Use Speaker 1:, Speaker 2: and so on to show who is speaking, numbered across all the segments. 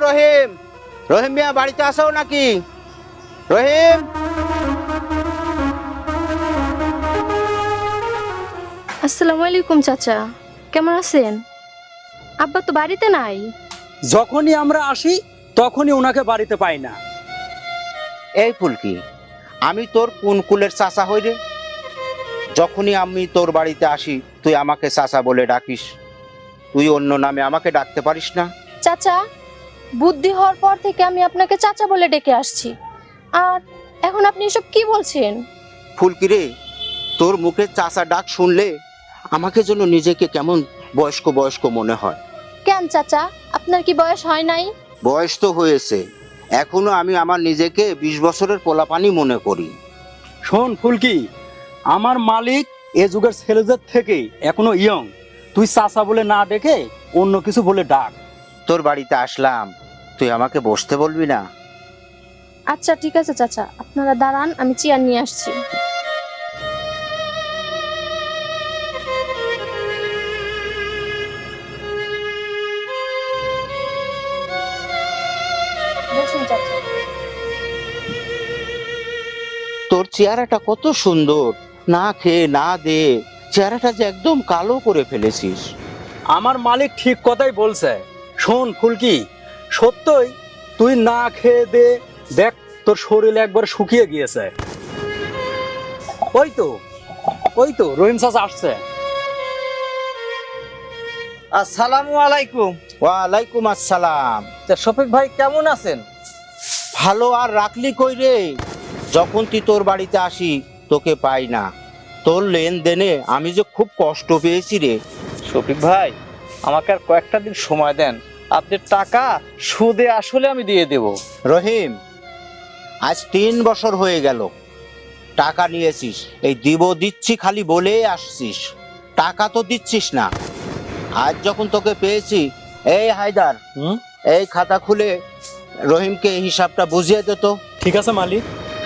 Speaker 1: রহিম, রহিম মিয়া বাড়িতে আসো নাকি? রহিম,
Speaker 2: আসসালামু আলাইকুম চাচা, কেমন আছেন? আব্বা তো বাড়িতে নাই।
Speaker 3: যখনই আমরা আসি তখনই ওনাকে বাড়িতে পাই না।
Speaker 1: এই ফুলকি, আমি তোর কোন কুলের চাচা হই রে? যখনই আমি তোর বাড়িতে আসি তুই আমাকে চাচা বলে ডাকিস, তুই অন্য নামে আমাকে ডাকতে পারিস না?
Speaker 2: চাচা, বুদ্ধি হওয়ার পর থেকে আমি আপনাকে চাচা বলে ডেকে আসছি, আর এখন আপনি এসব কি বলছেন?
Speaker 1: ফুলকি রে, তোর মুখে চাচা ডাক শুনলে আমাকে যেন নিজেকে কেমন বয়স্ক বয়স্ক মনে হয়।
Speaker 2: কেন চাচা, আপনার কি বয়স হয় নাই?
Speaker 1: বয়স তো হয়েছে, এখনো আমি আমার নিজেকে 20 বছরের পোলাপানি মনে করি।
Speaker 3: শোন ফুলকি, আমার মালিক এ যুগের ছেলেদের থেকে এখনো ইয়ং। তুই চাচা বলে না ডেকে অন্য কিছু বলে ডাক।
Speaker 1: তোর বাড়িতে আসলাম, তুই আমাকে বসতে বলবি না?
Speaker 2: আচ্ছা ঠিক আছে চাচা, আপনারা দাঁড়ান, আমি চেয়ার নিয়ে আসছি। বসুন চাচা।
Speaker 1: তোর চেহারাটা কত সুন্দর, না খেয়ে না দে চেহারাটা যে একদম কালো করে ফেলেছিস।
Speaker 3: আমার মালিক ঠিক কথাই বলছে। শোন ফুলকি, সত্যই তুই না খেয়ে দে, দেখ তোর শরীর একবার শুকিয়ে গিয়েছে। ওই তো ওই তো রহিম চাচা আসছে।
Speaker 4: আসসালামু আলাইকুম।
Speaker 1: ওয়ালাইকুম আসসালাম।
Speaker 4: তা শফিক ভাই কেমন আছেন?
Speaker 1: ভালো আর রাখলি কই রে? যখন তুই তোর বাড়িতে আসি তোকে পাই না। তোর লেনদেনে আমি যে খুব কষ্ট পেয়েছি রে।
Speaker 4: শফিক ভাই, আমাকে আর কয়েকটা দিন সময় দেন, আপনার টাকা সুদে আসলে আমি দিয়ে দেব।
Speaker 1: রহিম, আজ 3 বছর হয়ে গেল টাকা নিয়েছিস, এই দিব দিচ্ছি খালি বলে আসছিস, টাকা তো দিচ্ছিস না। আজ যখন তোকে পেয়েছি, এই হায়দার, এই খাতা খুলে রহিমকে এই হিসাবটা বুঝিয়ে দে তো।
Speaker 3: ঠিক আছে মালিক।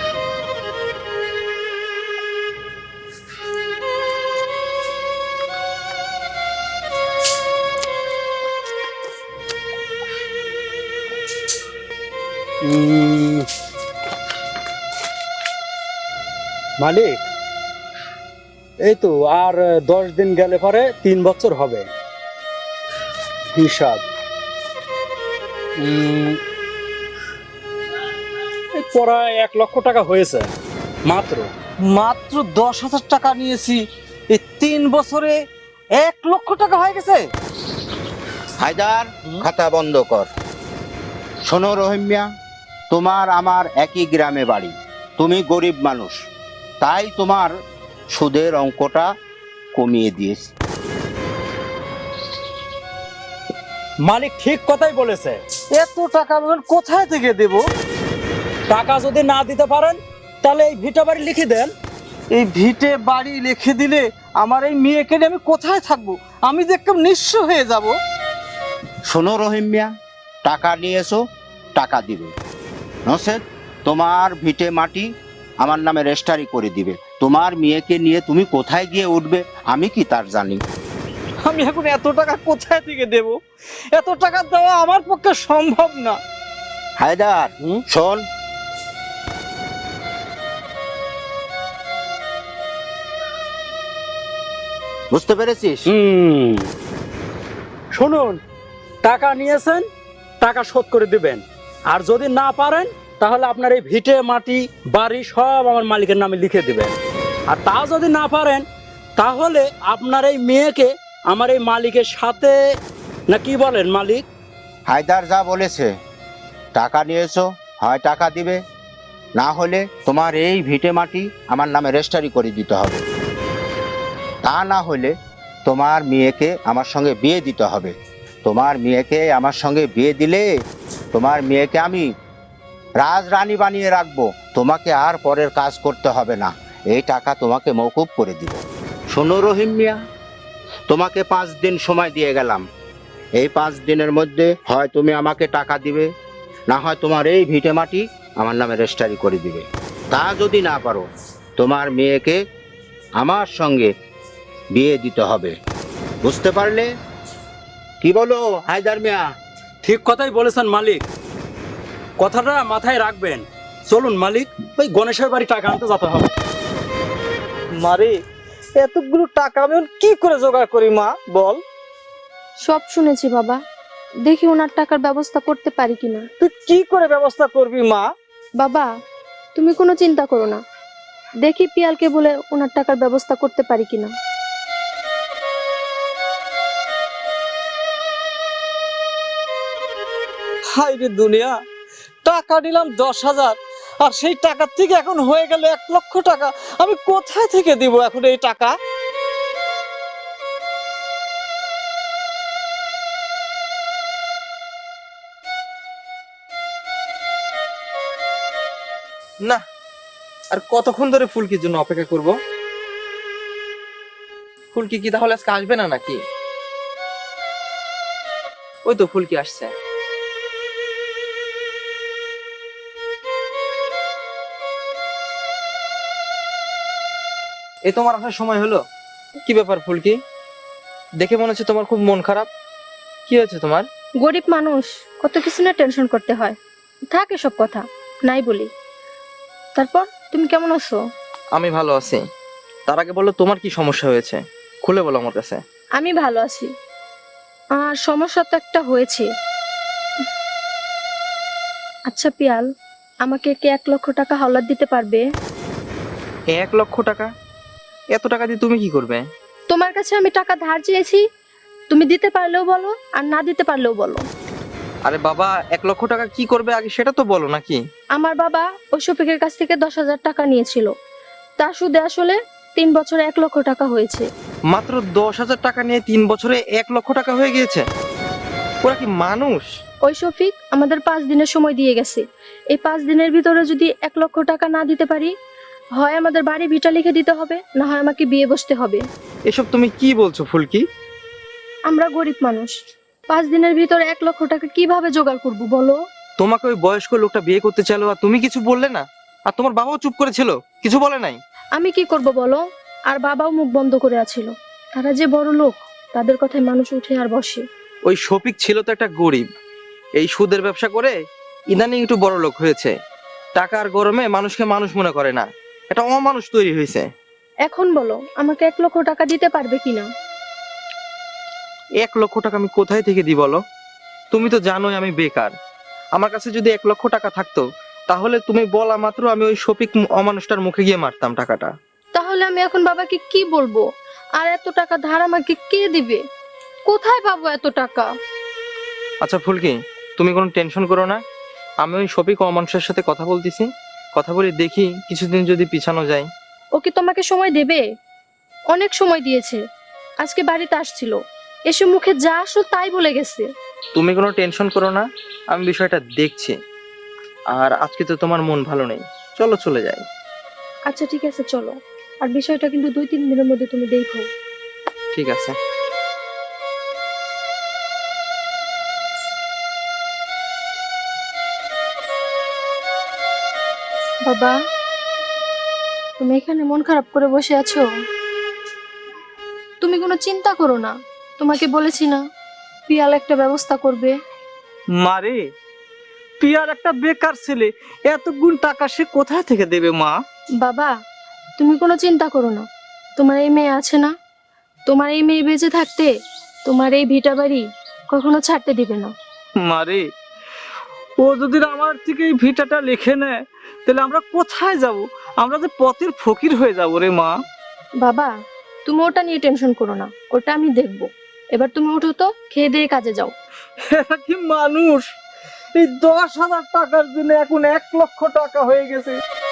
Speaker 3: মালিক, এই তো আর 10 দিন গেলে পরে 3 বছর হবে। হিসাব এই প্রায় 1 লক্ষ টাকা হয়েছে মাত্র।
Speaker 4: মাত্র 10,000 টাকা নিয়েছি, এই 3 বছরে 1 লক্ষ টাকা হয়ে গেছে।
Speaker 1: হায়দার, খাতা বন্ধ কর। শোনো রহিম মিয়া, তোমার আমার একই গ্রামে বাড়ি, তুমি গরিব মানুষ, তাই তোমার সুদের অঙ্কটা কমিয়ে দিয়েছি।
Speaker 3: মালিক ঠিক কথাই বলেছে।
Speaker 4: এত টাকা আমি কোথায় থেকে দেব?
Speaker 3: টাকা যদি না দিতে পারেন তাহলে এই ভিটা বাড়ি লিখে দেন।
Speaker 4: এই ভিটে বাড়ি লিখে দিলে আমার এই মেয়েকে নিয়ে আমি কোথায় থাকবো? আমি যে একদম নিঃস্ব হয়ে যাব।
Speaker 1: শোনো রহিম মিয়া, টাকা নিয়ে এসো, টাকা দিবে, নসেদ তোমার ভিটে মাটি আমার নামে রেজিস্ট্রি করে দিবে। তোমার মেয়েকে নিয়ে তুমি কোথায় গিয়ে উঠবে আমি কি তার জানি?
Speaker 4: আমি এখন এত টাকা কোথায় থেকে দেব? এত টাকা দেওয়া আমার পক্ষে সম্ভব না।
Speaker 1: হায়দার, শোন, বুঝতে পেরেছিস?
Speaker 3: শুনুন, টাকা নিয়েছেন, টাকা শোধ করে দিবেন। আর যদি না পারেন তাহলে আপনার এই ভিটে মাটি বাড়ি সব আমার মালিকের নামে লিখে দিবেন। আর তা যদি না পারেন তাহলে আপনার এই মেয়েকে আমার এই মালিকের সাথে, না কি বলেন মালিক?
Speaker 1: হায়দার যা বলেছে, টাকা নিয়েছো, হয় টাকা দিবে, না হলে তোমার এই ভিটে মাটি আমার নামে রেজিস্ট্রি করে দিতে হবে। তা না হলে তোমার মেয়েকে আমার সঙ্গে বিয়ে দিতে হবে। তোমার মেয়েকে আমার সঙ্গে বিয়ে দিলে তোমার মেয়েকে আমি রাজরানী বানিয়ে রাখবো, তোমাকে আর পরের কাজ করতে হবে না। এই টাকা তোমাকে মওকুফ করে দিব। শোনো রহিম মিয়া, তোমাকে 5 দিন সময় দিয়ে গেলাম। এই 5 দিনের মধ্যে হয় তুমি আমাকে টাকা দিবে, না হয় তোমার এই ভিটে মাটি আমার নামে রেজিস্ট্রি করে দিবে। তা যদি না পারো তোমার মেয়েকে আমার সঙ্গে বিয়ে দিতে হবে। বুঝতে পারলে? কি বলো হায়দার মিয়া?
Speaker 3: ঠিক কথাই বলেছেন মালিক, কথাটা মাথায় রাখবেন। চলুন মালিক, ওই গণেশের বাড়ি টাকা আনতে যেতে হবে।
Speaker 4: মারে, এতগুলো টাকা আমি এখন কি করে জোগাড় করি মা, বল?
Speaker 2: সব শুনেছি বাবা, দেখি ওনার টাকার ব্যবস্থা করতে পারি কিনা।
Speaker 4: তুই কি করে ব্যবস্থা করবি মা?
Speaker 2: বাবা, তুমি কোনো চিন্তা করো না, দেখি পিয়ালকে বলে ওনার টাকার ব্যবস্থা করতে পারি কিনা।
Speaker 4: হাই রে দুনিয়া, টাকা নিলাম 10,000, আর সেই টাকার থেকে এখন হয়ে গেল 1,00,000 টাকা। আমি কোথায় থেকে দিব এখন এই টাকা?
Speaker 5: না, আর কতক্ষণ ধরে ফুলকির জন্য অপেক্ষা করব? ফুলকি কি তাহলে আজকে আসবে না নাকি? ওই তো ফুলকি আসছে। এ তোমার আসার সময় হলো? কি ব্যাপার ফুলকি, দেখে মনে হচ্ছে তোমার খুব মন খারাপ। কি হয়েছে তোমার?
Speaker 2: গরিব মানুষ, কত কিছু না টেনশন করতে হয়, থাকে সব কথা নাই বলি। তারপর তুমি কেমন আছো?
Speaker 5: আমি ভালো আছি। তার আগে বলো তোমার কি সমস্যা হয়েছে, খুলে বলো আমার কাছে।
Speaker 2: আমি ভালো আছি, আর সমস্যা তো একটা হয়েছে। আচ্ছা পিয়াল, আমাকে কি 1,00,000 টাকা হাওলাত দিতে পারবে?
Speaker 5: 1,00,000 টাকা? এত টাকা দিয়ে তুমি কি করবে?
Speaker 2: তোমার কাছে আমি টাকা ধার চেয়েছি, তুমি দিতে পারলেও বলো, আর না দিতে পারলেও বলো।
Speaker 5: আরে বাবা, 1,00,000 টাকা কি করবে আগে সেটা তো বলো নাকি।
Speaker 2: আমার বাবা ওই শফিকের কাছ থেকে 10,000 টাকা নিয়েছিল, তার সুদে আসলে 3 বছরে 1,00,000 টাকা হয়েছে।
Speaker 5: মাত্র 10,000 টাকা নিয়ে 3 বছরে 1,00,000 টাকা হয়ে গিয়েছে? ওরা কি মানুষ?
Speaker 2: ওই শফিক আমাদের 5 দিনের সময় দিয়ে গেছে, এই 5 দিনের ভিতরে যদি 1,00,000 টাকা না দিতে পারি, হয় আমাদের বাড়ি ভিটা লিখে দিতে হবে, না হয় আমাকে বিয়ে বসতে হবে।
Speaker 5: এসব তুমি কি বলছো ফুলকি?
Speaker 2: আমরা গরিব মানুষ, 5 দিনের ভিতরে 1,00,000 টাকা কিভাবে জোগাড় করব বলো?
Speaker 5: তোমাকে ওই বয়স্ক লোকটা বিয়ে করতে চাইলো আর তুমি কিছু বললে না? আর তোমার বাবাও চুপ করেছিল, কিছু বলে নাই?
Speaker 2: আমি কি করব বলো? আর বাবাও মুখ বন্ধ করে আছিল, তারা যে বড় লোক, তাদের কথায় মানুষ উঠে আর বসে।
Speaker 5: ওই শফিক ছিল তো একটা গরিব, এই সুদের ব্যবসা করে ইদানিং একটু বড় লোক হয়েছে। টাকার গরমে মানুষকে মানুষ মনে করে না, এটা অমানুষ তৈরি হয়েছে।
Speaker 2: এখন বলো আমাকে 1,00,000 টাকা দিতে পারবে কিনা?
Speaker 5: 1,00,000 টাকা আমি কোথায় থেকে দিই বলো? তুমি তো জানোই আমি বেকার। আমার কাছে যদি 1,00,000 টাকা থাকতো, তাহলে তুমি বলা মাত্র আমি ওই শফিক অমানুষটার মুখে গিয়ে মারতাম টাকাটা।
Speaker 2: তাহলে আমি এখন বাবাকে কি বলবো? আর এত টাকা ধার আমাকে কে দিবে? কোথায় পাবো এত টাকা?
Speaker 5: আচ্ছা ফুলকি, তুমি কোনো টেনশন করো না, আমি ওই শফিক অমানুষের সাথে কথা বলতেছি, কথা বলে দেখি কিছুদিন যদি পিছানো যায়।
Speaker 2: ও কি তোমাকে সময় দেবে? অনেক সময় দিয়েছে, আজকে বাড়িতে আসছিল, এসে মুখে যা আসলো তাই বলে গেছে।
Speaker 5: তুমি কোনো টেনশন করো না, আমি বিষয়টা দেখছি। আর আজকে তো তোমার মন ভালো নেই, চলো চলে যাই।
Speaker 2: আচ্ছা ঠিক আছে চলো, আর বিষয়টা কিন্তু 2-3 দিনের মধ্যে তুমি দেখো।
Speaker 5: ঠিক আছে।
Speaker 2: বাবা, তুমি এখানে মন খারাপ করে বসে আছো? তুমি কোনো চিন্তা করো না, তোমাকে বলেছি না পিয়াল একটা ব্যবস্থা করবে।
Speaker 4: মারে, পিয়ার একটা বেকার ছেলে, এতগুণ টাকা সে কোথায় থেকে দেবে মা?
Speaker 2: বাবা, তুমি কোনো চিন্তা করো না, তোমার এই মেয়ে আছে না, তোমার এই মেয়ে বেঁচে থাকতে তোমার এই ভিটা বাড়ি কখনো ছাড়তে দিবে না।
Speaker 4: মারে, ও যদি আমার থেকে এই ভিটাটা লিখে নেয়, তাহলে আমরা কোথায় যাব? আমরা যে পথের ফকির হয়ে যাব রে মা।
Speaker 2: বাবা, তুমি ওটা নিয়ে টেনশন করো না, ওটা আমি দেখব। এবার তুমি উঠো তো, খেয়ে দিয়ে কাজে যাও।
Speaker 4: এরা কি মানুষ? এই 10,000 টাকার জন্য এখন 1,00,000 টাকা হয়ে গেছে।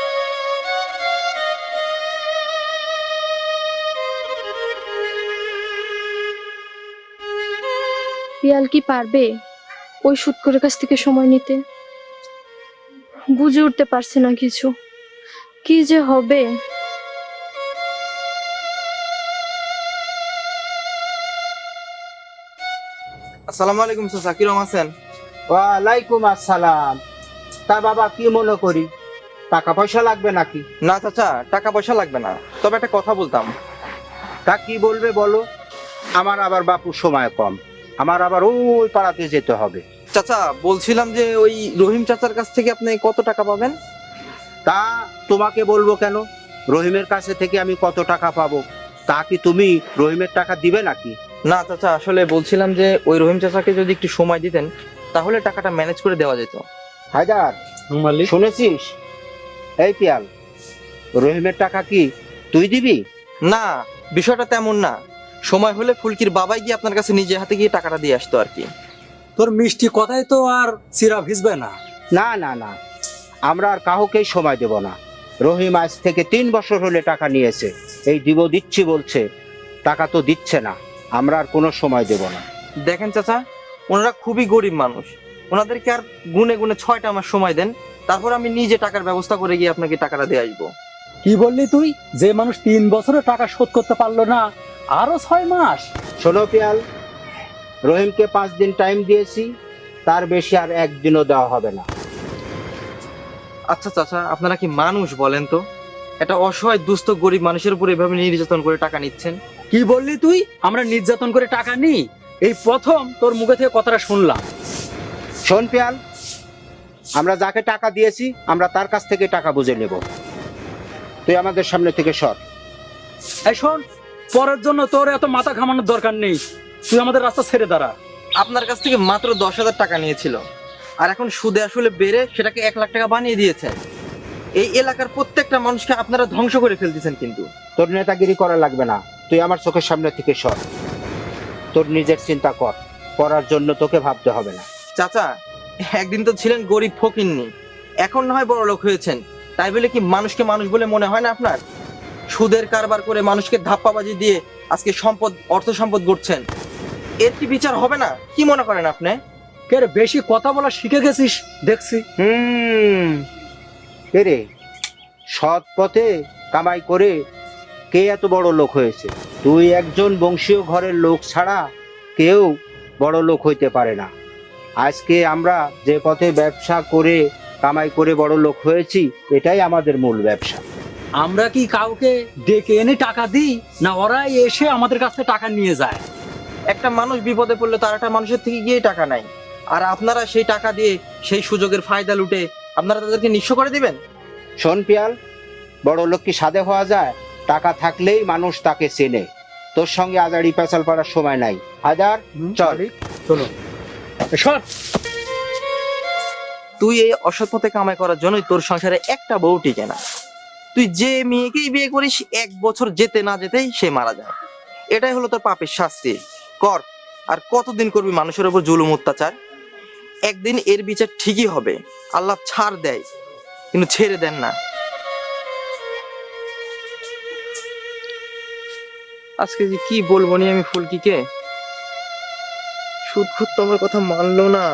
Speaker 2: পিয়াল কি পারবে ওই সুৎকরের কাছ থেকে সময় নিতে? বুঝে উঠতে পারছি না কিছু, কি যে হবে।
Speaker 5: আসসালামু আলাইকুম চাচা, কিরম আছেন?
Speaker 1: ওয়ালাইকুম আসসালাম। তা বাবা, কি মনে করি, টাকা পয়সা লাগবে নাকি?
Speaker 5: না চাচা, টাকা পয়সা লাগবে না, তবে একটা কথা বলতাম।
Speaker 1: তা কি বলবে বলো? আমার আবার বাপুর সময় কম, আমার আবার ওই পাড়াতে যেতে হবে।
Speaker 5: চাচা বলছিলাম যে ওই রহিম চাচার কাছ থেকে আপনি কত টাকা পাবেন?
Speaker 1: তা তোমাকে বলবো কেন? রহিমের কাছে থেকে আমি কত টাকা পাবো তা কি তুমি রহিমের টাকা দিবে নাকি?
Speaker 5: না চাচা, আসলে বলছিলাম যে ওই রহিম চাচাকে যদি একটু সময় দিতেন তাহলে টাকাটা ম্যানেজ করে দেওয়া যেত।
Speaker 1: হায়দার,
Speaker 3: মালিক,
Speaker 1: শুনেছিস? এই পিয়াল, রহিমের টাকা কি তুই দিবি?
Speaker 5: না, বিষয়টা তেমন না। সময় হলে ফুলকির বাবাই গিয়ে আপনার কাছে নিজে হাতে গিয়ে টাকাটা দিয়ে আসতো আর কি।
Speaker 3: তোর মিষ্টি কথাই তো আর চিরা ভিজবে না।
Speaker 1: না না না, আমরা আর কাউকেই সময় দেব না। রহিম আজ থেকে 3 বছর হলে টাকা নিয়েছে, এই দিচ্ছি বলছে, টাকা তো দিচ্ছে না। আমরা আর কোনো সময় দেব না।
Speaker 5: দেখেন চাচা, ওনারা খুবই গরিব মানুষ, ওনাদেরকে আর গুনে গুনে 6টা মাস সময় দেন, তারপর আমি নিজে টাকার ব্যবস্থা করে গিয়ে আপনাকে টাকাটা দিয়ে আসবো।
Speaker 3: কি বললি তুই? যে মানুষ 3 বছরে টাকা শোধ করতে পারলো না, আরো 6 মাস?
Speaker 1: শোনো পিয়াল, রহিমকে 5 দিন টাইম দিয়েছি, তার বেশি আর একদিনও দেওয়া হবে না।
Speaker 5: আচ্ছা চাচা, আপনারা কি মানুষ বলেন তো? একটা অসহায় দুস্থ গরিব মানুষের উপর এভাবে নির্যাতন করে টাকা নিচ্ছেন?
Speaker 3: কি বললি তুই? আমরা নির্যাতন করে টাকা নিই? এই প্রথম তোর মুখে থেকে কথাটা শুনলাম।
Speaker 1: শোন পিয়াল, আমরা যাকে টাকা দিয়েছি আমরা তার কাছ থেকে টাকা বুঝে নেব। তুই আমাদের সামনে থেকে সর।
Speaker 3: এই শোন, পরের জন্য তোর এত মাথা ঘামানোর দরকার নেই, তুই আমাদের রাস্তা ছেড়ে দাঁড়া।
Speaker 5: আপনার কাছ থেকে মাত্র 10,000 টাকা নিয়েছিল, আর এখন সুদে আসলে বেড়ে সেটাকে 1 লাখ টাকা বানিয়ে দিয়েছেন। এই এলাকার প্রত্যেকটা মানুষকে আপনারা ধ্বংস করে ফেলতেছেন। কিন্তু
Speaker 1: তোর নেতাগিরি করা লাগবে না, তুই আমার চোখের সামনে থেকে সর। তোর নিজের চিন্তা কর, করার জন্য তোকে ভাবতে হবে না।
Speaker 5: চাচা, একদিন তো ছিলেন গরিব ফকিন্নি, এখন না হয় বড় লোক হয়েছেন, তাই বলে কি মানুষকে মানুষ বলে মনে হয় না আপনার? সুদের কারবার করে মানুষকে ধাপ্পাবাজি দিয়ে আজকে অর্থ সম্পদ গড়ছেন, এর কি বিচার হবে না? কি মনে করেন আপনি?
Speaker 3: কে রে, বেশি কথা বলা শিখে গেছিস দেখছি।
Speaker 1: রে, সৎ পথে কামাই করে কে এত বড় লোক হয়েছে? তুই একজন বংশীয় ঘরের লোক ছাড়া কেউ বড় লোক হইতে পারে না। আজকে আমরা যে পথে ব্যবসা করে কামাই করে বড় লোক হয়েছি, এটাই আমাদের মূল ব্যবসা।
Speaker 3: আমরা কি কাউকে ডেকে এনে টাকা দিই, না ওরাই এসে আমাদের কাছ থেকে টাকা নিয়ে যায়?
Speaker 5: একটা মানুষ বিপদে পড়লে তার একটা মানুষের থেকে গিয়ে টাকা নাই, আর আপনারা সেই টাকা দিয়ে সেই সুযোগের ফায়দা লুটে আপনারা তাদেরকে নিঃস্ব করে দিবেন।
Speaker 1: শোন পিয়াল, বড় লোক কি সাধে হওয়া যায়? টাকা থাকলেই মানুষ তাকে চেনে। তোর সঙ্গে আজাড়ি পেঁচাল পাড়ার সময় নাই। হায়দার, চল।
Speaker 3: চলো। সর।
Speaker 5: তুই এই অসৎ পথে কামাই করার জন্যই তোর সংসারে একটা বউ টিকে না। তুই যে মেয়েকেই বিয়ে করিস 1 বছর যেতে না যেতেই সে মারা যায়। এটাই হলো তোর পাপের শাস্তি। কর, আর কতদিন করবি মানুষের উপর জুলুম অত্যাচার? একদিন এর বিচার ঠিকই হবে। আল্লাহ ছাড় দেয়, কিন্তু ছেড়ে দেন না। আজকে যে কি বলবো নি আমি ফুলকিকে, সুদ খুদ তো আমার কথা মানলো না।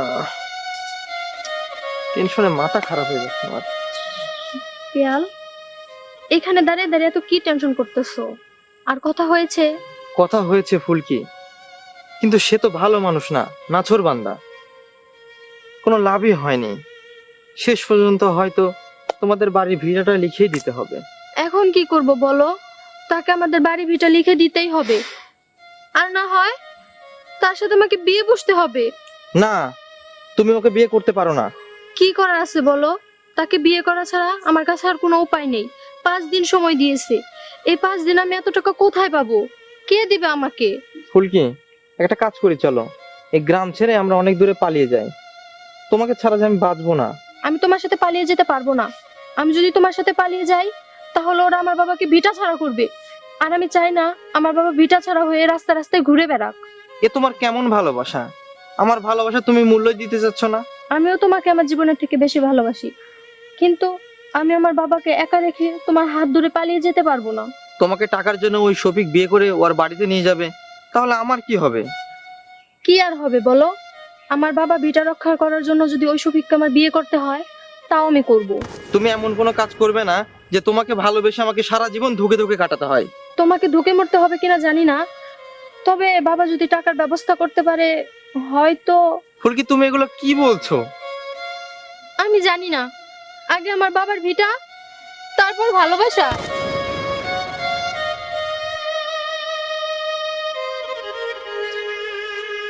Speaker 5: টেনশনে মাথা খারাপ হয়ে যাচ্ছে আমার।
Speaker 2: পিয়াল, এখানে দাঁড়িয়ে দাঁড়িয়ে তো কি টেনশন করতেছো? আর কথা হয়েছে?
Speaker 5: কথা হয়েছে ফুলকি, কিন্তু সে তো ভালো মানুষ না, নাছোড়বান্দা। কোনো লাভই হয়নি। শেষ পর্যন্ত হয়তো তোমাদের বাড়ির ভিড়াটা লিখিয়ে দিতে হবে।
Speaker 2: এখন কি করব বলো? তাকে আমাদের বাড়ি ভিটা লিখে দিতেই হবে, আর না হয় তার সাথে আমাকে বিয়ে বসতে হবে।
Speaker 5: না, তুমি ওকে বিয়ে করতে পারো না।
Speaker 2: কি করার আছে বলো? তাকে বিয়ে করা ছাড়া আমার কাছে আর কোনো উপায় নেই। 5 দিন সময় দিয়েছে, এই 5 দিন আমি এত টাকা কোথায় পাবো? কে দিবে আমাকে?
Speaker 5: ফুলকি, একটা কাজ করি, চলো এই গ্রাম ছেড়ে আমরা অনেক দূরে পালিয়ে যাই। তোমাকে ছাড়া যে আমি বাঁচবো না।
Speaker 2: আমি তোমার সাথে পালিয়ে যেতে পারবো না। আমি যদি তোমার সাথে পালিয়ে যাই তাহলে ওরা আমার বাবাকে ভিটা ছাড়া করবে, আর আমি চাই না আমার বাবা ভিটা ছাড়া হয়ে রাস্তা রাস্তায় ঘুরে বেড়াক।
Speaker 5: এ তোমার কেমন ভালোবাসা? আমার ভালোবাসা তুমি মূল্য দিতে চাচ্ছ না।
Speaker 2: আমিও তোমাকে আমার জীবনের থেকে বেশি ভালোবাসি, কিন্তু আমি আমার বাবাকে একা রেখে তোমার হাত ধরে পালিয়ে যেতে পারবো না।
Speaker 5: তোমাকে টাকার জন্য ওই শফিক বিয়ে করে ওর বাড়িতে নিয়ে যাবে, তাহলে আমার কি হবে?
Speaker 2: কি আর হবে বলো? আমার বাবা ভিটা রক্ষা করার জন্য যদি ওই শফিককে আমার বিয়ে করতে হয়, তাও আমি করব।
Speaker 5: তুমি এমন কোনো কাজ করবে না যে তোমাকে ভালোবেসে আমাকে সারা জীবন ধুকে ধুকে কাটাতে হয়।
Speaker 2: তোমাকে ধুকে মরতে হবে কিনা জানি না, তবে বাবা যদি টাকার ব্যবস্থা করতে পারে হয়তো।
Speaker 5: ফুলকি, তুমি এগুলো কি বলছো?
Speaker 2: আমি জানি না, আগে আমার বাবার ভিটা, তারপর ভালোবাসা।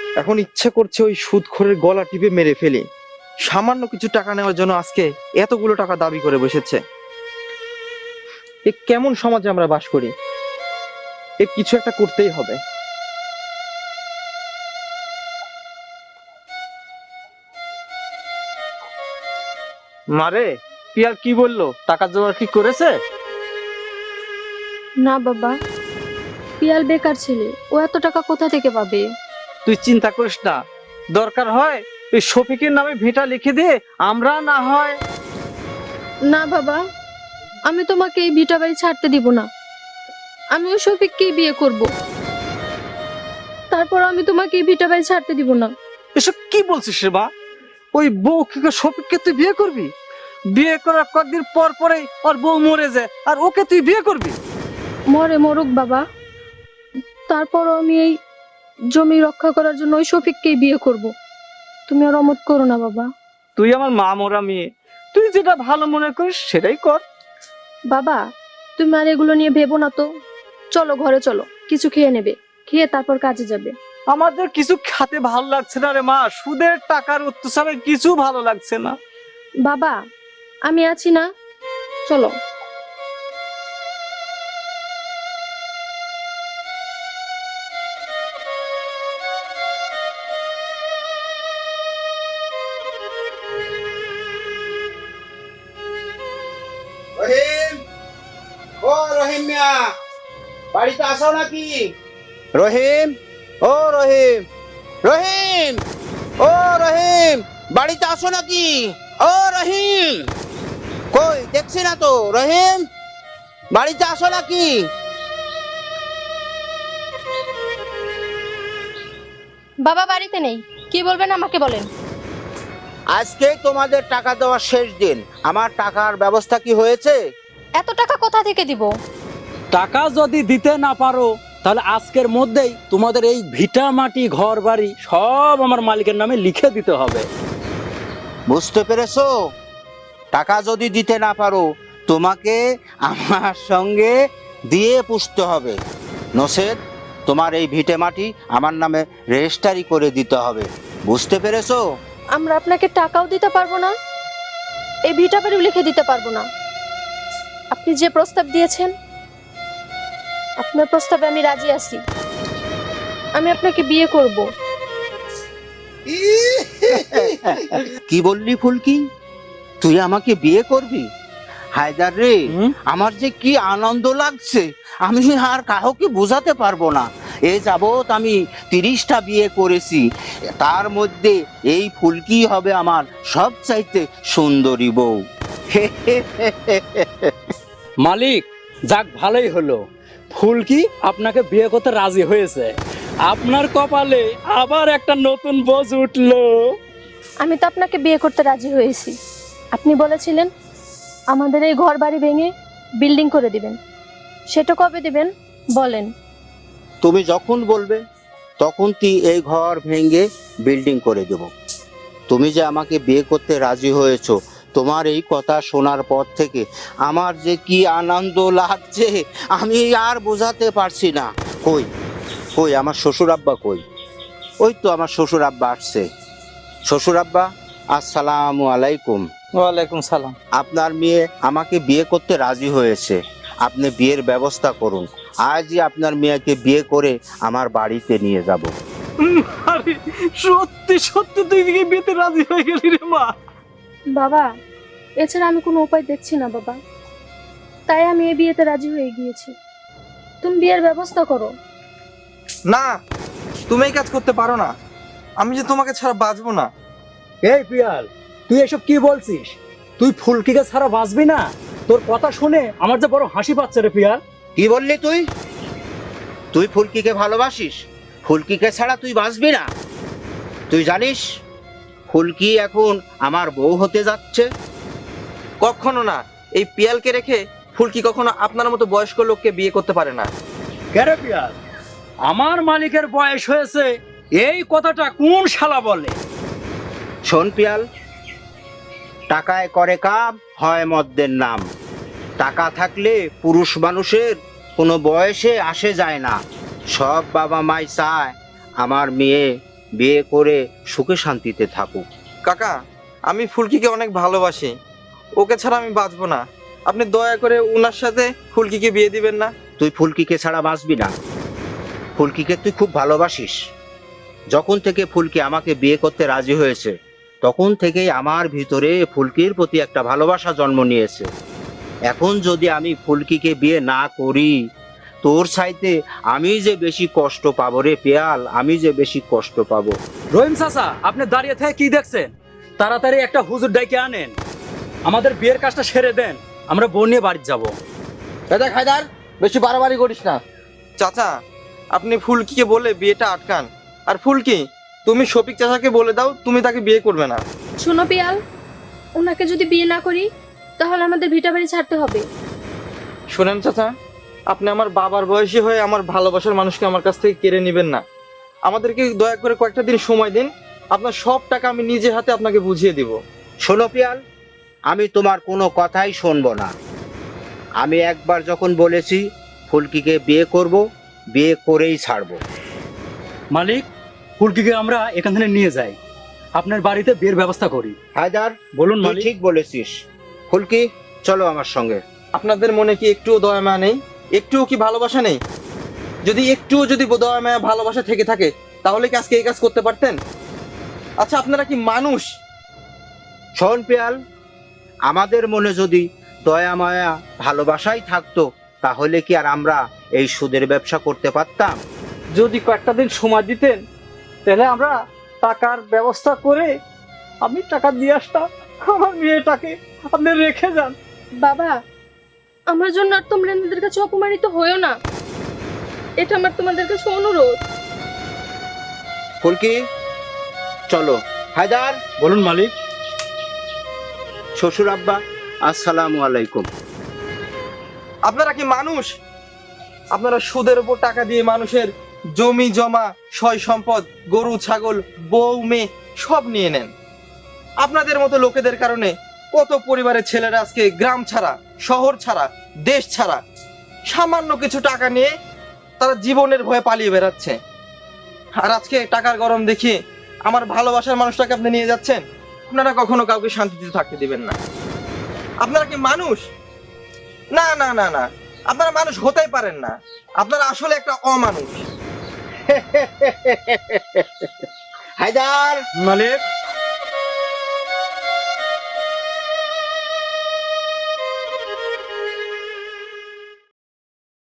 Speaker 5: এখন ইচ্ছে করছে ওই সুদখোরের গলা টিপে মেরে ফেলি। সামান্য কিছু টাকা নেওয়ার জন্য আজকে এতগুলো টাকা দাবি করে বসেছে। এ কেমন সমাজে আমরা বাস করি? এ কিছু একটা করতেই হবে।
Speaker 4: মারে, পিয়াল কি বললো? টাকা জোগাড় কি করেছে?
Speaker 2: না বাবা, পিয়াল বেকার ছেলে, ও এত টাকা কোথা থেকে পাবে?
Speaker 4: তুই চিন্তা করিস না, দরকার হয় ওই শফিকের নামে ভিটা লিখে দিয়ে আমরা না হয়।
Speaker 2: না বাবা, আমি তোমাকে এই ভিটা বাড়ি ছাড়তে দিব না। আমি ওই শফিককেই বিয়ে করব। তারপর আমি তোমাকে এই ভিটা বাড়ি ছাড়তে দিব না।
Speaker 4: এসব কি বলছিস রে মা? ওই বউ কি শফিককে তুই বিয়ে করবি? বিয়ে করার কয়েকদিন পর পরেই ওর বউ মরে যায়, আর ওকে তুই বিয়ে করবি?
Speaker 2: মরে মরুক বাবা, তারপরও আমি এই জমি রক্ষা করার জন্য ওই শফিককেই বিয়ে করব। তুমি আর অমত করো না বাবা।
Speaker 4: তুই আমার মা মরা মেয়ে, তুই যেটা ভালো মনে করিস সেটাই কর।
Speaker 2: বাবা, তুমি আর এগুলো নিয়ে ভেবো না তো। চলো ঘরে চলো, কিছু খেয়ে নেবে, খেয়ে তারপর কাজে যাবে।
Speaker 4: আমাদের কিছু খাতে ভালো লাগছে না রে মা, সুদের টাকার অত্যাচারে কিছু ভালো লাগছে না।
Speaker 2: বাবা, আমি আছি না, চলো।
Speaker 1: রহিম, ও রহিম মিয়া, বাড়িতে আসো নাকি? রহিম, ও রহিম, রহিম, ও রহিম, বাড়িতে আসো নাকি? ও রহিম, কই দেখছি না তো। রহিম, বাড়িতে আসো নাকি?
Speaker 2: বাবা বাড়িতে নেই, কি বলবেন আমাকে বলেন।
Speaker 1: আজকে তোমাদের টাকা দেওয়ার শেষ দিন। আমার টাকার ব্যবস্থা কি হয়েছে?
Speaker 2: এত টাকা কোথা থেকে দিব?
Speaker 3: টাকা যদি দিতে না পারো তাহলে আজকের মধ্যেই তোমাদের এই ভিটা মাটি ঘর বাড়ি সব আমার মালিকের নামে লিখে দিতে হবে।
Speaker 1: বুঝতে পেরেছো? টাকা যদি দিতে না পারো তোমাকে আমার সঙ্গে দিয়ে পুষতে হবে, নসেদ তোমার এই ভিটে মাটি আমার নামে রেজিস্ট্রি করে দিতে হবে। বুঝতে পেরেছো?
Speaker 2: আমরা আপনাকে টাকাও দিতে পারবো না, এই ভিটা বাড়িও লিখে দিতে পারবো না। আপনি যে প্রস্তাব দিয়েছেন, আপনার প্রস্তাবে আমি রাজি আছি। আমি আপনাকে বিয়ে করব।
Speaker 1: কি বললি ফুলকি? তুই আমাকে বিয়ে করবি? হায়দার রে, আমার যে কি আনন্দ লাগছে আমি আর কাউকে বোঝাতে পারবো না। এ যাবৎ আমি 30টা বিয়ে করেছি, তার মধ্যে এই ফুলকি হবে আমার সবচাইতে সুন্দরী বউ।
Speaker 3: মালিক, যাক ভালোই হলো, ফুলকি আপনাকে বিয়ে করতে রাজি হয়েছে। আপনার কপালে আবার একটা নতুন বোঝ উঠলো।
Speaker 2: আমি তো আপনাকে বিয়ে করতে রাজি হয়েছি। আপনি বলেছিলেন আমাদের এই ঘর বাড়ি ভেঙে বিল্ডিং করে দিবেন, সেটা কবে দিবেন বলেন?
Speaker 1: তুমি যখন বলবে তখন তুই এই ঘর ভেঙে বিল্ডিং করে দেব। তুমি যে আমাকে বিয়ে করতে রাজি হয়েছো, তোমার এই কথা শোনার পর থেকে আমার যে কি আনন্দ লাগছে আমি আর বোঝাতে পারছি না। কই কই আমার শ্বশুর আব্বা কই? ওই তো আমার শ্বশুর আব্বা আসছে। শ্বশুর আব্বা, আসসালামু আলাইকুম।
Speaker 4: ওয়ালাইকুম সালাম।
Speaker 1: আপনার মেয়ে আমাকে বিয়ে করতে রাজি হয়েছে, আপনি বিয়ের ব্যবস্থা করুন। আজই আপনার মেয়েকে বিয়ে করে আমার বাড়িতে নিয়ে যাব।
Speaker 4: আরে সত্যি সত্যি তুই কি বিয়েতে রাজি হয়ে গেলি রে মা?
Speaker 2: বাবা, এছাড়া আমি কোনো উপায় দেখছি না বাবা, তাই আমি এই বিয়েতে রাজি হয়ে গিয়েছি। তুমি বিয়ের ব্যবস্থা করো।
Speaker 5: না, তুমি এই কাজ করতে পারো না। আমি যে তোমাকে ছাড়া বাঁচবো না।
Speaker 3: এই পিয়াল, তুই এসব কি বলছিস? তুই ফুলকিকে ছাড়া বাঁচবি না? তোর কথা শুনে আমার যে বড় হাসি পাচ্ছে রে পিয়াল।
Speaker 1: কি বললি তুই? তুই ফুলকিকে ভালোবাসিস? ফুলকিকে ছাড়া তুই বাঁচবি না? তুই জানিস ফুলকি এখন আমার বউ হতে যাচ্ছে?
Speaker 5: কখনো না। এই পিয়ালকে রেখে ফুলকি কখনো আপনার মতো বয়স্ক লোককে বিয়ে করতে পারে না।
Speaker 3: কেরে পিয়াল, আমার মালিকের বয়স হয়েছে এই কথাটা কোন শালা বলে?
Speaker 1: শোন পিয়াল, টাকায় করে কাম হয় মদ্যের নাম। টাকা থাকলে পুরুষ মানুষের কোনো বয়সে আসে যায় না। সব বাবা মাই চায় আমার মেয়ে বিয়ে করে সুখে শান্তিতে থাকুক।
Speaker 5: কাকা, আমি ফুলকিকে অনেক ভালোবাসি, ওকে ছাড়া আমি বাঁচবো না। আপনি দয়া করে ওনার সাথে ফুলকিকে বিয়ে দিবেন না?
Speaker 1: তুই ফুলকিকে ছাড়া বাঁচবি না। ফুলকিকে তুই খুব ভালোবাসিস। যখন থেকে ফুলকি আমাকে বিয়ে করতে রাজি হয়েছে তখন থেকেই আমার ভিতরে ফুলকির প্রতি একটা ভালোবাসা জন্ম নিয়েছে। এখন যদি আমি ফুলকিকে বিয়ে না করি, তোর চাইতে আমি যে বেশি কষ্ট পাবো রে পেয়াল, আমি যে বেশি কষ্ট পাবো।
Speaker 3: রহিম চাচা, আপনি দাঁড়িয়ে থেকে কি দেখছেন? তাড়াতাড়ি একটা হুজুর ডাইকে আনেন, আমাদের বিয়ের কাজটা সেরে দেন, আমরা বোন নিয়ে বাড়ি যাবো।
Speaker 4: দেখ হায়দার, বেশি বাড়াবাড়ি করিস না।
Speaker 5: চাচা, আপনি ফুলকিকে বলে বিয়েটা আটকান। আর ফুলকি, তুমি শফিক চাচাকে বলে দাও তুমি তাকে বিয়ে করবে না।
Speaker 2: শোনো পিয়াল, ওনাকে যদি বিয়ে না করি তাহলে আমাদের ভিটা বাড়ি ছাড়তে হবে।
Speaker 5: শোনেন চাচা, আপনি আমার বাবার বয়সী হয়ে আমার ভালোবাসার মানুষকে আমার কাছ থেকে কেড়ে নেবেন না। আমাদেরকে দয়া করে কয়েকটা দিন সময় দিন, আপনার সব টাকা আমি নিজে হাতে আপনাকে বুঝিয়ে দিব।
Speaker 1: শোনো পিয়াল, আমি তোমার কোনো কথাই শুনবো না। আমি একবার যখন বলেছি ফুলকিকে বিয়ে করব, বিয়ে করেই ছাড়বো।
Speaker 3: মালিক, ফুলকিকে আমরা এখান থেকে নিয়ে যাই, আপনার বাড়িতে বিয়ের ব্যবস্থা করি।
Speaker 1: হায়দার,
Speaker 3: বলুন
Speaker 1: তুই
Speaker 3: মালিক।
Speaker 1: ঠিক বলেছিস। ফুলকি, চলো আমার সঙ্গে।
Speaker 5: আপনাদের মনে কি একটুও দয়া মায়া নেই? একটুও কি ভালোবাসা নেই? যদি দয়া মায়া ভালোবাসা থেকে থাকে তাহলে কি আজকে এই কাজ করতে পারতেন? আচ্ছা, আপনারা কি মানুষ?
Speaker 1: শোন পিয়াল, আমাদের মনে যদি দয়া মায়া ভালোবাসাই থাকতো তাহলে কি আর আমরা এই সুদের ব্যবসা করতে পারতাম?
Speaker 4: যদি কয়েকটা দিন সময় দিতেন তাহলে আমরা টাকার ব্যবস্থা করে আমি টাকা দিয়ে আসতাম। আমার মেয়েটাকে আপনি রেখে যান।
Speaker 2: বাবা, আমার জন্য আর তোমরা এনাদের কাছে অপমানিত হয়েও না, এটা আমার তোমাদের কাছে অনুরোধ।
Speaker 1: ফুলকি, চলো। হায়দার,
Speaker 3: বলুন মালিক।
Speaker 1: শ্বশুর আব্বা, আসসালামু আলাইকুম।
Speaker 5: আপনারা কি মানুষ? আপনারা সুদের উপর টাকা দিয়ে মানুষের জমি জমা, সয় সম্পদ, গরু ছাগল, বউ মেয়ে সব নিয়ে নেন। আপনাদের মতো লোকেদের কারণে কত পরিবারের ছেলেরা আজকে গ্রাম ছাড়া, শহর ছাড়া, দেশ ছাড়া, সামান্য কিছু টাকা নিয়ে তারা জীবনের ভয়ে পালিয়ে বেড়াচ্ছে। আর আজকে টাকার গরম দেখিয়ে আমার ভালোবাসার মানুষটাকে আপনি নিয়ে যাচ্ছেন। আপনারা কখনো কাউকে শান্তিতে থাকতে দিবেন না। আপনারা কি মানুষ? না না না না, আপনারা মানুষ হতেই পারেন না। আপনারা আসলে একটা অমানুষ।
Speaker 1: হায়দার,
Speaker 3: মালিক,